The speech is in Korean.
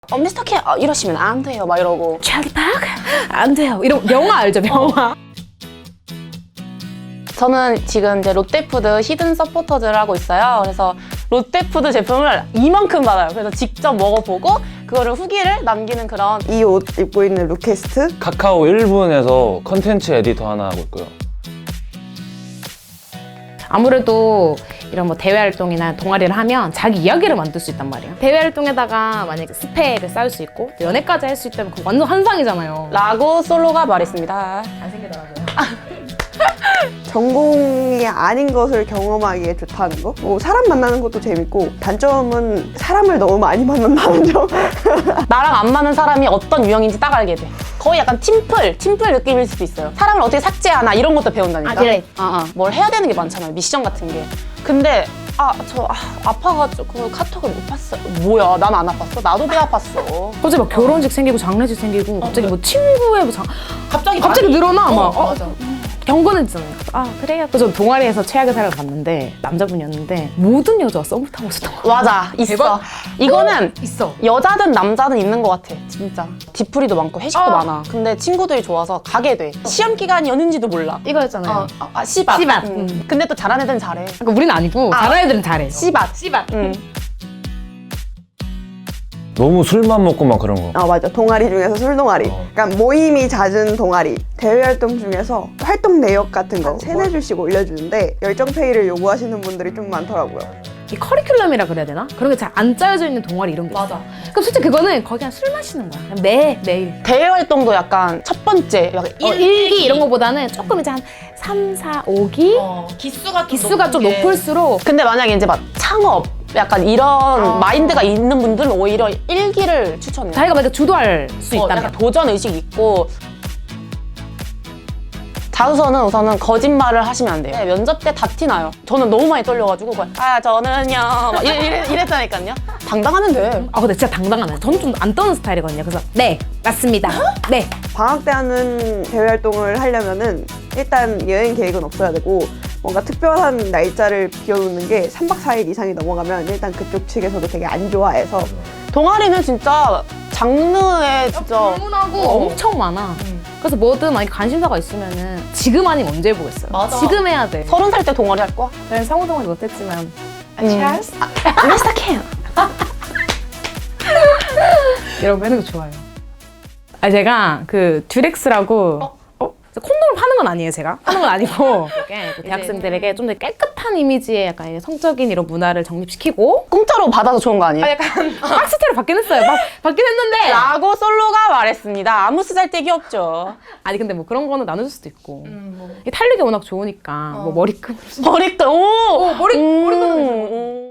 미스터 K 이러시면 안 돼요 막 이러고 찰리 파크 안 돼요. 이런 영화 알죠? 영화. 저는 지금 이제 롯데푸드 히든 서포터즈를 하고 있어요. 그래서 롯데푸드 제품을 이만큼 받아요. 그래서 직접 먹어보고 그거를 후기를 남기는 그런. 이 옷 입고 있는 루캐스트 카카오 1분에서 컨텐츠 에디터 하나 하고 있고요. 아무래도 이런 뭐 대외 활동이나 동아리를 하면 자기 이야기를 만들 수 있단 말이에요. 대외 활동에다가 만약에 스펙을 쌓을 수 있고 연애까지 할 수 있다면 그거 완전 환상이잖아요. 라고 솔로가 말했습니다. 안 생기더라고요. 전공이 아닌 것을 경험하기에 좋다는 거. 뭐 사람 만나는 것도 재밌고 단점은 사람을 너무 많이 만난다는 점. 나랑 안 맞는 사람이 어떤 유형인지 딱 알게 돼. 거의 약간 팀플 느낌일 수도 있어요. 사람을 어떻게 삭제하나 이런 것도 배운다니까. 그래. 뭘 해야 되는 게 많잖아요. 미션 같은 게. 근데 아파가지고 카톡을 못 봤어요. 뭐야, 난 안 아팠어? 나도 배 아팠어. 갑자기 막 결혼식 생기고 장례식 생기고 갑자기 뭐 친구의 뭐 갑자기 늘어나 막. 맞아. 경건해지잖아요. 그래요. 그래서 동아리에서 최악의 사람을 봤는데 남자분이었는데 모든 여자가 썸을 타고 있었던 거야. 맞아, 있어. 대박. 이거는 있어. 여자든 남자든 있는 것 같아, 진짜. 뒤풀이도 많고 회식도 많아. 근데 친구들이 좋아서 가게 돼. 시험 기간이었는지도 몰라. 이거였잖아요. 씨밭. 씨밭. 근데 또 잘하는 애들은 잘해. 그러니까 우리는 아니고 잘하는 애들은 잘해. 씨밭. 씨밭. 너무 술만 먹고 막 그런 거. 맞아. 동아리 중에서 술동아리. 그러니까 모임이 잦은 동아리. 대외 활동 중에서 활동 내역 같은 거 3-4줄씩 올려주는데 열정페이를 요구하시는 분들이 좀 많더라고요. 이 커리큘럼이라 그래야 되나? 그런 게 잘 안 짜여져 있는 동아리 이런 게 있어. 그럼 솔직히 그거는 거의 그냥 술 마시는 거야. 그냥 매일. 대외 활동도 약간 첫 번째 약간 일기 이런 거보다는 조금 이제 한 3, 4, 5기? 기수가 좀 높을수록 근데 만약에 이제 막 창업 약간 이런 마인드가 있는 분들은 오히려 일기를 추천해요. 자기가 만약에 주도할 수 있다면. 약간 도전 의식이 있고. 자소서는 우선은 거짓말을 하시면 안 돼요. 네, 면접 때 다 티나요. 저는 너무 많이 떨려가지고 저는요 막 이랬다니까요. 당당하면 돼. 근데 진짜 당당하네. 저는 좀 안 떠는 스타일이거든요. 그래서 네, 맞습니다. 네. 방학 때 하는 대외 활동을 하려면은 일단 여행 계획은 없어야 되고 뭔가 특별한 날짜를 비워놓는 게 3박 4일 이상이 넘어가면 일단 그쪽 측에서도 되게 안 좋아해서 동아리는 진짜 장르에 진짜 불문하고 엄청 많아. 그래서 뭐든 만약에 관심사가 있으면은 지금 아니면 언제 해보겠어요. 맞아. 지금 해야 돼. 30살 때 동아리 할 거야? 저는 상호 동아리 못했지만 찰스? 미스터 K. 이런 거 하는 거 좋아요. 제가 그 듀렉스라고 콘돔을 파는 건 아니에요, 제가. 파는 건 아니고 그 대학생들에게 좀 더 깨끗한 이미지의 약간 성적인 이런 문화를 정립시키고 공짜로 받아서 좋은 거 아니에요? 약간 박스테로 받긴 했어요. 받긴 했는데 라고 솔로가 말했습니다. 아무 쓰잘데기 없죠. 아니 근데 뭐 그런 거는 나눠줄 수도 있고 이 탄력이 워낙 좋으니까 뭐 머리끈 머리끈, 머리끈.